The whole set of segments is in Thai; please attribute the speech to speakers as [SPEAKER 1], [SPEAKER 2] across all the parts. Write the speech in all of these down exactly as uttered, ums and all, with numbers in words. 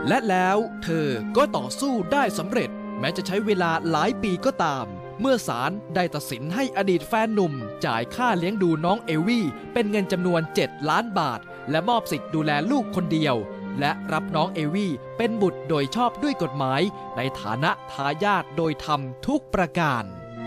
[SPEAKER 1] และแล้วเธอก็ต่อสู้ได้สำเร็จแม้จะใช้เวลาหลายปีก็ตามเมื่อศาลได้ตัดสินให้อดีตแฟนหนุ่มจ่ายค่าเลี้ยงดูน้องเอวี่เป็นเงินจำนวนเจ็ดล้านบาทและมอบสิทธิ์ดูแลลูกคนเดียวและรับน้องเอวี่เป็นบุตรโดยชอบด้วยกฎหมายในฐานะทายาทโดยธรรมทุกประการ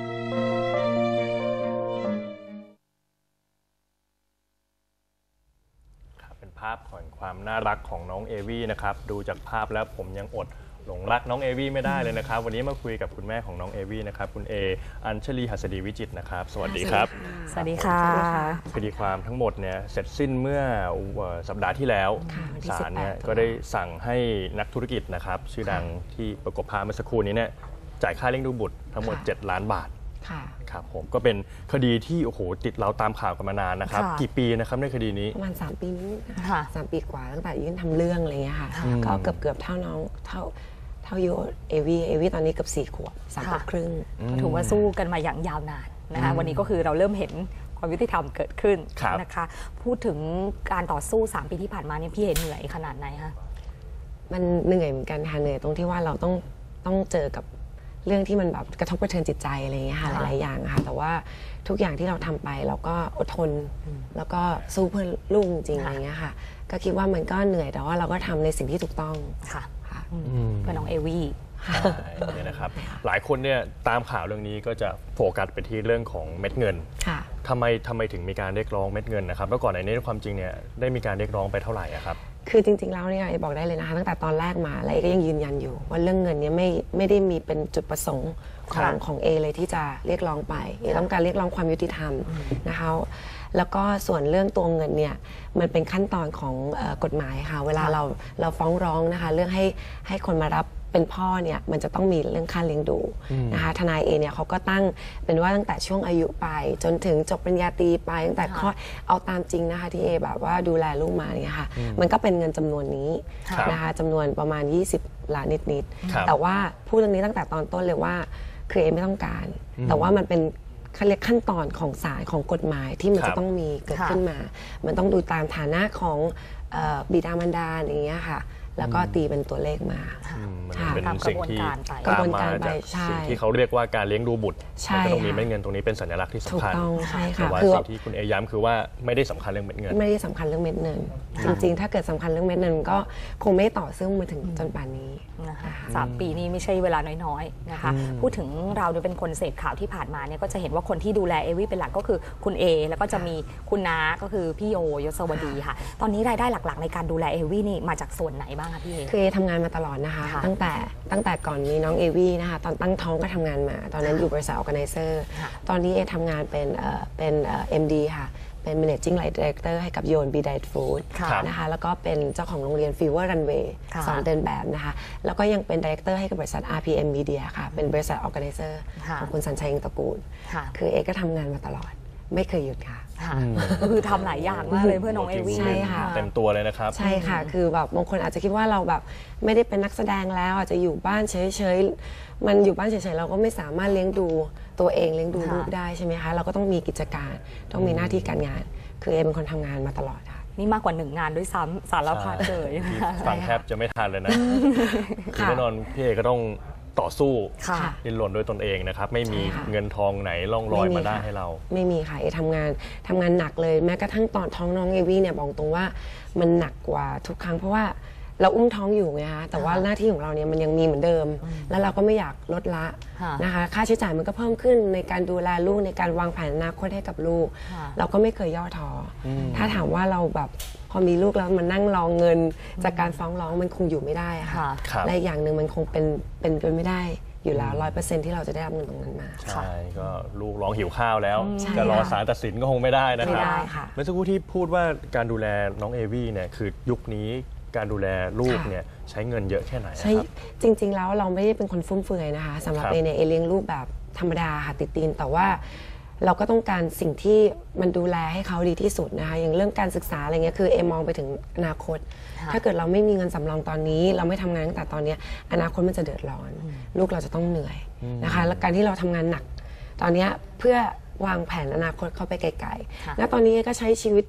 [SPEAKER 2] เป็นภาพของความน่ารักของน้องเอวี่นะครับดูจากภาพแล้วผมยังอดหลงรักน้องเอวี่ไม่ได้เลยนะครับวันนี้มาคุยกับคุณแม่ของน้องเอวี่นะครับคุณเออัญชลีหัสดีวิจิตรนะครับสวัสดีครับ
[SPEAKER 3] สวัสดีค่ะ
[SPEAKER 2] คดีความทั้งหมดเนี่ยเสร็จสิ้นเมื่อสัปดาห์ที่แล้วศาลเนี่ยก็ได้สั่งให้นักธุรกิจนะครับชื่อดังที่ประกบภาพเมื่อสักครู่นี้เนี่ยจ่ายค่าเลี้ยงดูบุตรทั้งหมดเจ็ดล้านบาทครับผมก็เป็นคดีที่โอ้โหติดเราตามข่าวกันมานานนะครับกี่ปีนะครับในคดีนี้
[SPEAKER 4] ประมาณสามปีนี้ค่ะสามปีกว่าตั้งแต่ยื่นทำเรื่องอะไรเงี้ยค่ะก็เกือบเกือบเท่าน้องเท่าเท่ายูเอวีเอวีตอนนี้เกือบสี่ขวบสามขวบครึ่ง
[SPEAKER 3] ก็ถือว่าสู้กันมาอย่างยาวนานนะคะวันนี้ก็คือเราเริ่มเห็นความยุติธรรมเกิดขึ้นนะคะพูดถึงการต่อสู้สามปีที่ผ่านมาเนี่ยพี่เห็นเหนื่อยขนาดไหนคะ
[SPEAKER 4] มันเหนื่อยเหมือนกันค่ะเหนื่อยตรงที่ว่าเราต้องต้องเจอกับเรื่องที่มันแบบกระทบกระเทือนจิตใจอะไรอย่างเงี้ยค่ะหลายๆอย่างค่ะแต่ว่าทุกอย่างที่เราทำไปเราก็อดทนแล้วก็สู้เพื่อลูกจริงอะไรเงี้ยค่ะก็คิดว่ามันก็เหนื่อยแต่ว่าเราก็ทำในสิ่งที่ถูกต้อง
[SPEAKER 3] ค่ะเพื่อน้องเอวี่
[SPEAKER 2] เนี่ยนะครับหลายคนเนี่ยตามข่าวเรื่องนี้ก็จะโฟกัสไปที่เรื่องของเม็ดเงินทำไมทำไมถึงมีการเรียกร้องเม็ดเงินนะครับแล้วก่อนในนี้ความจริงเนี่ยได้มีการเรียกร้องไปเท่าไหร่ครับ
[SPEAKER 4] คือจริงๆแล้วเนี่ยบอกได้เลยนะคะตั้งแต่ตอนแรกมาและเอก็ยังยืนยันอยู่ว่าเรื่องเงินนี้ไม่ไม่ได้มีเป็นจุดประสงค์ของของเอเลยที่จะเรียกร้องไปเอต้องการเรียกร้องความยุติธรรมนะคะแล้วก็ส่วนเรื่องตัวเงินเนี่ยมันเป็นขั้นตอนของกฎหมายค่ะเวลาเราเราฟ้องร้องนะคะเรื่องให้ให้คนมารับเป็นพ่อเนี่ยมันจะต้องมีเรื่องค่าเลี้ยงดูนะคะทนายเอเนี่ยเขาก็ตั้งเป็นว่าตั้งแต่ช่วงอายุไปจนถึงจบปริญญาตรีไปตั้งแต่ข้อเอาตามจริงนะคะที่เอแบบว่าดูแลลูกมาเนี่ยค่ะมันก็เป็นเงินจำนวนนี้นะคะจำนวนประมาณยี่สิบล้านนิดๆแต่ว่าพูดเรื่องนี้ตั้งแต่ตอนต้นเลยว่าคือเอไม่ต้องการแต่ว่ามันเป็นเขาเรียกขั้นตอนของศาลของกฎหมายที่มันจะต้องมีเกิดขึ้นมามันต้องดูตามฐานะของบิดามารดาอย่างเงี้ยค่ะแล้วก็ตีเป็นตัวเลขมา
[SPEAKER 2] เป็นสิ่งที่ตามมาจากสิ่งที่เขาเรียกว่าการเลี้ยงดูบุตรมันก็ต้องมีเม็ดเงินตรงนี้เป็นสัญลักษณ์ที่สำคัญแต่ว่าสิ่งที่คุณเอย้ำคือว่าไม่ได้สำคัญเรื่องเม็ดเงิน
[SPEAKER 4] ไม่ได้สำคัญเรื่องเม็ดเงินจริงๆถ้าเกิดสำคัญเรื่องเม็ดเงินก็คงไม่ต่อซึ่งมาถึงจนป่านนี้
[SPEAKER 3] สามปีนี้ไม่ใช่เวลาน้อยๆนะคะพูดถึงเราเป็นคนเสพข่าวที่ผ่านมาเนี่ยก็จะเห็นว่าคนที่ดูแลเอวี่เป็นหลักก็คือคุณเอแล้วก็จะมีคุณน้าก็คือพี่โยยศวดีค่ะตอนนี้รายได้หลักๆในการดูแลเอวี่นี่มาจากส่วนไหนบ้างคะพี่เอ
[SPEAKER 4] คือเอทำงานมาตลอดนะคะตั้งแต่ตั้งแต่ก่อนมีน้องเอวี่นะคะตอนตั้งท้องก็ทำงานมาตอนนั้นอยู่บริษัท Organizer ตอนนี้เอทำงานเป็นเป็นเอ็มดีค่ะเป็น managing director ให้กับโยน บี Diet Food นะคะแล้วก็เป็นเจ้าของโรงเรียน Fever Runway สอนเดินแบบนะคะแล้วก็ยังเป็น director ให้กับบริษัท อาร์ พี เอ็ม Media ค่ะเป็นบริษัท Organizer ของคุณสัญชัยอิงตระกูลคือเอก็ทำงานมาตลอดไม่เคยหยุดค่ะ
[SPEAKER 3] ก็คือทำหลายอย่างมากเลยเพื่อน้องเอวี่
[SPEAKER 4] ใช่ค่ะ
[SPEAKER 2] เต็มตัวเลยนะครับ
[SPEAKER 4] ใช่ค่ะคือแบบบางคนอาจจะคิดว่าเราแบบไม่ได้เป็นนักแสดงแล้วอาจจะอยู่บ้านเฉยๆมันอยู่บ้านเฉยๆเราก็ไม่สามารถเลี้ยงดูตัวเองเลี้ยงดูลูกได้ใช่ไหมคะเราก็ต้องมีกิจการต้องมีหน้าที่การงานคือเอเป็นคนทำงานมาตลอดค่ะ
[SPEAKER 3] นี่มากกว่าหนึ่งงานด้วยซ้ำสารพัดเลย
[SPEAKER 2] ฟังแทบจะไม่ทันเลยนะแน่นอนพี่เอก็ต้องต่อสู้ดิ้นรนด้วยตนเองนะครับไม่มีเงินทองไหนล่องลอยมาได้ให้เรา
[SPEAKER 4] ไม่มีค่ะเอทำงานทำงานหนักเลยแม้กระทั่งตอนท้องน้องเอวี่เนี่ยบอกตรงว่ามันหนักกว่าทุกครั้งเพราะว่าเราอุ้มท้องอยู่ไงคะแต่ว่าหน้าที่ของเราเนี่ยมันยังมีเหมือนเดิมแล้วเราก็ไม่อยากลดละนะคะค่าใช้จ่ายมันก็เพิ่มขึ้นในการดูแลลูกในการวางแผนอนาคตให้กับลูกเราก็ไม่เคยย่อท้อถ้าถามว่าเราแบบพอมีลูกแล้วมันนั่งรอเงินจากการฟ้องร้องมันคงอยู่ไม่ได้ค่ะและอย่างหนึ่งมันคงเป็นเป็นไปไม่ได้อยู่แล้วร้อยเปอร์เซ็นต์ที่เราจะได้รับเงินตรงนั้นมา
[SPEAKER 2] ใช่ก็ลูกร้องหิวข้าวแล้วจะรอศาลตัดสินก็คงไม่ได้นะครับเมื่อสักครู่ที่พูดว่าการดูแลน้องเอวี่เนี่ยคือยุคนี้การดูแลลูกเนี่ยใช้เงินเยอะแค่ไหนใช่
[SPEAKER 4] จริงๆแล้วเราไม่ได้เป็นคนฟุ่มเฟือยนะคะสำหรับเอเนี่ยเอเลี้ยงลูกแบบธรรมดาค่ะติดตีนแต่ว่าเราก็ต้องการสิ่งที่มันดูแลให้เขาดีที่สุดนะคะอย่างเรื่องการศึกษาอะไรเงี้ยคือเอมองไปถึงอนาคตถ้าเกิดเราไม่มีเงินสำรองตอนนี้เราไม่ทำงานตั้งแต่ตอนนี้อนาคตมันจะเดือดร้อนลูกเราจะต้องเหนื่อยนะคะและการที่เราทำงานหนักตอนนี้เพื่อวางแผนอนาคตเข้าไปไกลๆและตอนนี้ก็ใช้ชีวิต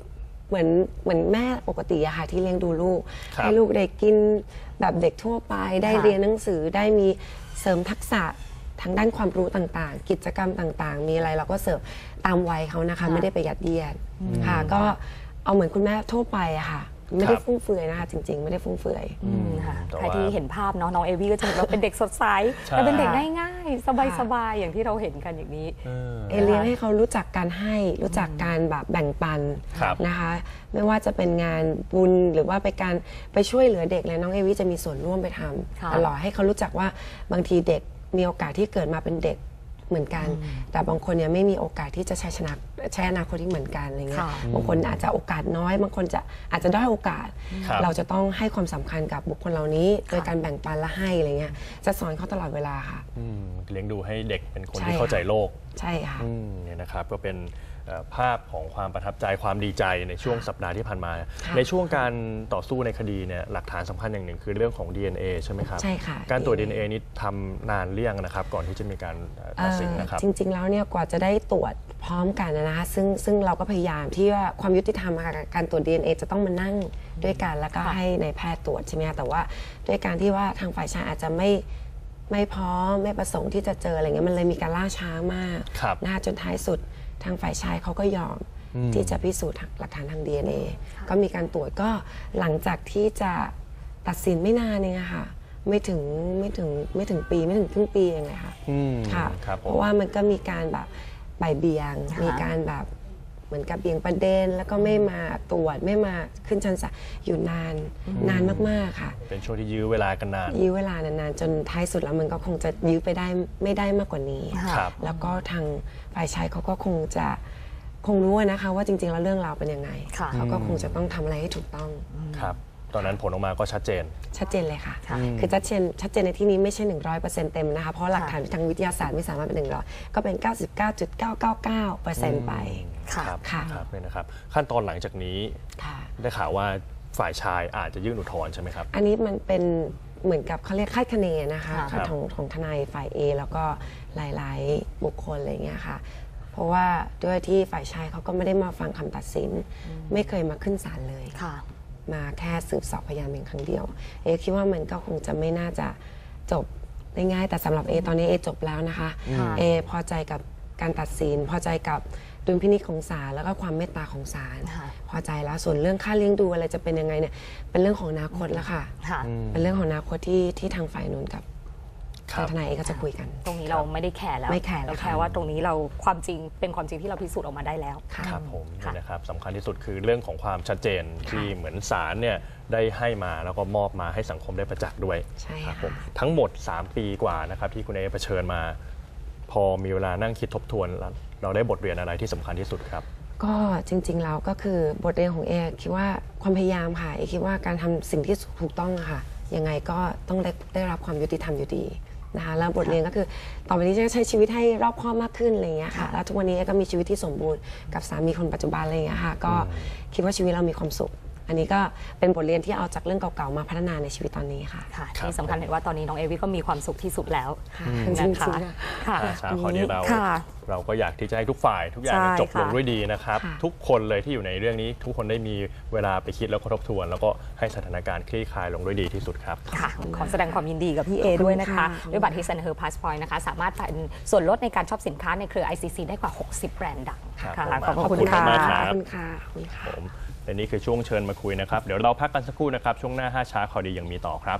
[SPEAKER 4] เหมือนเหมือนแม่ปกติอะค่ะที่เลี้ยงดูลูก
[SPEAKER 2] ครับ
[SPEAKER 4] ให้ลูกได้กินแบบเด็กทั่วไปได้
[SPEAKER 3] ค่ะ
[SPEAKER 4] เรียนหนังสือได้มีเสริมทักษะทางด้านความรู้ต่างๆ กิจกรรมต่างๆ มีอะไรเราก็เสิร์ฟตามวัยเขานะคะ
[SPEAKER 3] ค่ะ
[SPEAKER 4] ไม่ได้ไปยัดเยียดค่ะก็เอาเหมือนคุณแม่ทั่วไปอะค่ะไม่ได้ฟุ่มเฟือยนะคะจริงๆ ไม่ได้ฟุ่มเฟือย
[SPEAKER 3] อืมค่ะ
[SPEAKER 2] แต่
[SPEAKER 3] ใคร
[SPEAKER 2] ว่า
[SPEAKER 3] ที่เห็นภาพเนาะน้องเอวี่ก็จะเห็นว่าเป็นเด็กสดใส
[SPEAKER 2] ใช่
[SPEAKER 3] และเป็นเด็กง่ายๆ สบายๆอย่างที่เราเห็นกันอย่างนี้
[SPEAKER 2] เออ
[SPEAKER 4] เอเลี้ยงให้เขารู้จักการให้รู้จักการแบบแบ่งปัน
[SPEAKER 2] ครับ
[SPEAKER 4] นะคะ ไม่ว่าจะเป็นงานบุญหรือว่าไปการไปช่วยเหลือเด็กเลยน้องเอวี่จะมีส่วนร่วมไปท
[SPEAKER 3] ค่ะ
[SPEAKER 4] ำตลอดให้เขารู้จักว่าบางทีเด็กมีโอกาสที่เกิดมาเป็นเด็กเหมือนกัน แต่บางคนเนี่ยไม่มีโอกาสที่จะใช้ชนะใช้อนาคตที่เหมือนกันอะไรเงี้ย
[SPEAKER 3] ค่ะ
[SPEAKER 4] บางคนอาจจะโอกาสน้อย บางคนจะอาจจะด้อยโอกาส
[SPEAKER 2] ครับ
[SPEAKER 4] เราจะต้องให้ความสำคัญกับบุคคลเหล่านี้ โดยการแบ่งปันและให้อะไรเงี้ยจะสอนเขาตลอดเวลาค่ะ
[SPEAKER 2] อืมเลี้ยงดูให้เด็กเป็นคน
[SPEAKER 4] ใช่
[SPEAKER 2] ที่เข้าใจโลก
[SPEAKER 4] ใช่ค่ะ
[SPEAKER 2] อืมเนี่ยนะครับก็เป็นเอ่อภาพของความประทับใจความดีใจในช่วงสัปดาห์ที่ผ่านมา ในช่วงการต่อสู้ในคดีเนี่ยหลักฐานสำคัญอย่างหนึ่งคือเรื่องของ ดี เอ็น เอ ใช่ไหมครับ
[SPEAKER 4] ใช่ค่ะ
[SPEAKER 2] การตรวจ ดี เอ็น เอ นี้ทำนานเรี่ยงนะครับก่อนที่จะมีการเอ่อตัดสินนะครับ
[SPEAKER 4] เอ่อจริง ๆ แล้วเนี่ยกว่าจะได้ตรวจพร้อมกันนะคะซึ่งซึ่งเราก็พยายามที่ว่าความยุติธรรมอะค่ะการตรวจ ดี เอ็น เอ จะต้องมานั่งด้วยกันแล้วก็
[SPEAKER 3] ค่ะ
[SPEAKER 4] ให้ในายแพทย์ตรวจใช่ไหมคะแต่ว่าด้วยการที่ว่าทางฝ่ายชายอาจจะไม่ไม่พร้อมไม่ประสงค์ที่จะเจออะไรเงี้ยมันเลยมีการล่าช้ามาก
[SPEAKER 2] ครับ
[SPEAKER 4] นะคะจนท้ายสุดทางฝ่ายชายเขาก็ยอมที่จะพิสูจน์หลักฐานทาง ดี เอ็น เอ ก็มีการตรวจก็หลังจากที่จะตัดสินไม่นานเองอะค่ะไม่ถึงไม่ถึงไม่ถึงปีไม่ถึงครึ่งปีเองเลยค่ะ
[SPEAKER 2] อืม
[SPEAKER 4] ค่ะ
[SPEAKER 2] ครับผม
[SPEAKER 4] เพราะว่ามันก็มีการแบบบ่ายเบี่ยง
[SPEAKER 3] ค่ะ
[SPEAKER 4] มีการแบบเหมือนกับเบี่ยงประเด็น แล้วก็ไม่มาตรวจไม่มาขึ้นชั้นศาลอยู่นานนานมากๆค่ะ
[SPEAKER 2] เป็นช่วงที่ยื้อเวลากันนาน
[SPEAKER 4] ยื้อเวลานานๆจนท้ายสุดแล้วมันก็คงจะยื้อไปได้ไม่ได้มากกว่านี้
[SPEAKER 3] ค่ะ
[SPEAKER 2] ครับ
[SPEAKER 4] แล้วก็ทางฝ่ายชายเขาก็คงจะคงรู้นะคะว่าจริงๆแล้วเรื่องราวเป็นยังไง
[SPEAKER 3] ค่ะ
[SPEAKER 4] เขาก็คงจะต้องทำอะไรให้ถูกต้อง
[SPEAKER 2] ครับตอนนั้นผลออกมาก็ชัดเจน
[SPEAKER 4] ชัดเจนเลยค่ะ
[SPEAKER 3] ค่ะ
[SPEAKER 4] คือชัดเจนชัดเจนในที่นี้ไม่ใช่ หนึ่งร้อยเปอร์เซ็นต์ เต็มนะคะ เพราะหลักฐานทางวิทยาศาสตร์ไม่สามารถเป็นหนึ่งร้อยก็เป็น เก้าสิบเก้าจุดเก้าเก้าเก้าเปอร์เซ็นต์ ไป
[SPEAKER 3] ค่ะ
[SPEAKER 2] ครับ
[SPEAKER 4] ค่ะ
[SPEAKER 2] ครับเนี่ยนะครับ ขั้นตอนหลังจากนี้
[SPEAKER 4] ค่ะ
[SPEAKER 2] ได้ข่าวว่าฝ่ายชายอาจจะยื่นอุทธรณ์ใช่ไหมครับ
[SPEAKER 4] อันนี้มันเป็นเหมือนกับเขาเรียกคาดคะเนนะคะ
[SPEAKER 3] ครับ
[SPEAKER 4] ของของทนายฝ่าย A แล้วก็หลายๆ บุคคลอะไรเงี้ยค่ะ เพราะว่าด้วยที่ฝ่ายชายเขาก็ไม่ได้มาฟังคำตัดสิน ไม่เคยมาขึ้นศาลเลย
[SPEAKER 3] ค่ะ
[SPEAKER 4] มาแค่สืบสอบพยานเพียงครั้งเดียว เอคิดว่ามันก็คงจะไม่น่าจะจบได้ง่ายแต่สำหรับเอตอนนี้เอจบแล้วนะคะ
[SPEAKER 3] ค่ะ
[SPEAKER 4] เอพอใจกับการตัดสิน พอใจกับดุลพินิจของศาลแล้วก็ความเมตตาของศาล
[SPEAKER 3] ค่ะ
[SPEAKER 4] พอใจแล้วส่วนเรื่องค่าเลี้ยงดูอะไรจะเป็นยังไงเนี่ยเป็นเรื่องของอนาคตแล้วค่ะ
[SPEAKER 3] ค่ะ
[SPEAKER 4] เป็นเรื่องของอนาคตที่ที่ทางฝ่ายนู้นกับ
[SPEAKER 2] ครั
[SPEAKER 4] ทาง
[SPEAKER 2] บ
[SPEAKER 4] ทนายเอก็จะคุยกัน
[SPEAKER 3] ตรงนี้เราไม่ได้แคร์แล้ว
[SPEAKER 4] ไม่แคร์แล้ว
[SPEAKER 3] เรา
[SPEAKER 4] ค่ะ
[SPEAKER 3] แค่ว่าตรงนี้เราความจริงเป็นความจริงที่เราพิสูจน์ออกมาได้แล้ว
[SPEAKER 4] ค่ะ
[SPEAKER 2] ครับผม
[SPEAKER 3] ค่ะ
[SPEAKER 2] นี่นะครับสำคัญที่สุดคือเรื่องของความชัดเจนที่เหมือนศาลเนี่ยได้ให้มาแล้วก็มอบมาให้สังคมได้ประจักษ์ด้วย
[SPEAKER 4] ใช่
[SPEAKER 2] ครั
[SPEAKER 4] ค่ะ
[SPEAKER 2] ผมทั้งหมด สาม ปีกว่านะครับที่คุณเอเผชิญมา พอมีเวลานั่งคิดทบทวนแล้วเราได้บทเรียนอะไรที่สำคัญที่สุดครับ
[SPEAKER 4] ก็จริงๆแล้วก็คือบทเรียนของเอคิดว่าความพยายามค่ะเอคิดว่าการทำสิ่งที่ถูกต้องอะค่ะยังไงก็ต้องได้ได้รับความยุติธรรมอยู่ดีนะคะแล้วบทเรียนก็คือต่อไปนี้จะใช้ชีวิตให้รอบคอบมากขึ้นอะไรอย่างเงี้ยค่ะแล้วทุกวันนี้เอก็มีชีวิตที่สมบูรณ์กับสามีคนปัจจุบันอะไรอย่างเงี้ยค่ะก็คิดว่าชีวิตเรามีความสุข อันนี้ก็เป็นบทเรียนที่เอาจากเรื่องเก่าๆมาพัฒนาในชีวิตตอนนี้ค่ะ
[SPEAKER 3] ค่ะ
[SPEAKER 2] ครับ
[SPEAKER 3] ที่สำคัญเห็นว่าตอนนี้น้องเอวี่ก็มีความสุขที่สุดแล้ว
[SPEAKER 4] ค่ะ
[SPEAKER 3] นะ
[SPEAKER 4] จริ
[SPEAKER 3] คะ
[SPEAKER 4] งๆอะ
[SPEAKER 3] ค่ะ
[SPEAKER 2] อ่าช้าข้อนี้เรา
[SPEAKER 3] ค่ะ
[SPEAKER 2] เราก็อยากที่จะให้ทุกฝ่ายทุกอย่าง
[SPEAKER 3] ใช่
[SPEAKER 2] จบลง
[SPEAKER 3] ค่ะ
[SPEAKER 2] ด้วยดีนะครับ
[SPEAKER 4] ค่ะ
[SPEAKER 2] ทุกคนเลยที่อยู่ในเรื่องนี้ ทุกคนได้มีเวลาไปคิดแล้วก็ทบทวน แล้วก็ให้สถานการณ์คลี่คลายลงด้วยดีที่สุดครับ
[SPEAKER 3] ค่ะขอแสดงความยินดีกับพี่เอด้วยนะคะ
[SPEAKER 4] ขอบคุณค่ะ
[SPEAKER 3] ด้วยบัตร His and Her Passport นะคะ สามารถเป็นส่วนลดในการช็อปสินค้าในเครือ ไอ ซี ซี ได้กว่า หกสิบ แบรนด์ดัง
[SPEAKER 2] ครับ
[SPEAKER 3] ค่ะ
[SPEAKER 2] ผม
[SPEAKER 3] ขอบ
[SPEAKER 2] ขอบ
[SPEAKER 3] คุณ
[SPEAKER 2] คุณ
[SPEAKER 3] ค่ะ
[SPEAKER 2] มากครับ
[SPEAKER 4] ขอบคุณค่ะขอบคุณค่ะ
[SPEAKER 2] ผมและนี่คือช่วงเชิญมาคุยนะครับ เดี๋ยวเราพักกันสักครู่นะครับ ช่วงหน้าห้าช้าข่าวดียังมีต่อครับ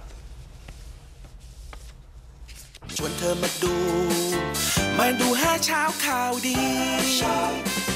[SPEAKER 5] ชวนเธอมาดู มาดูห้าเช้าข่าวดี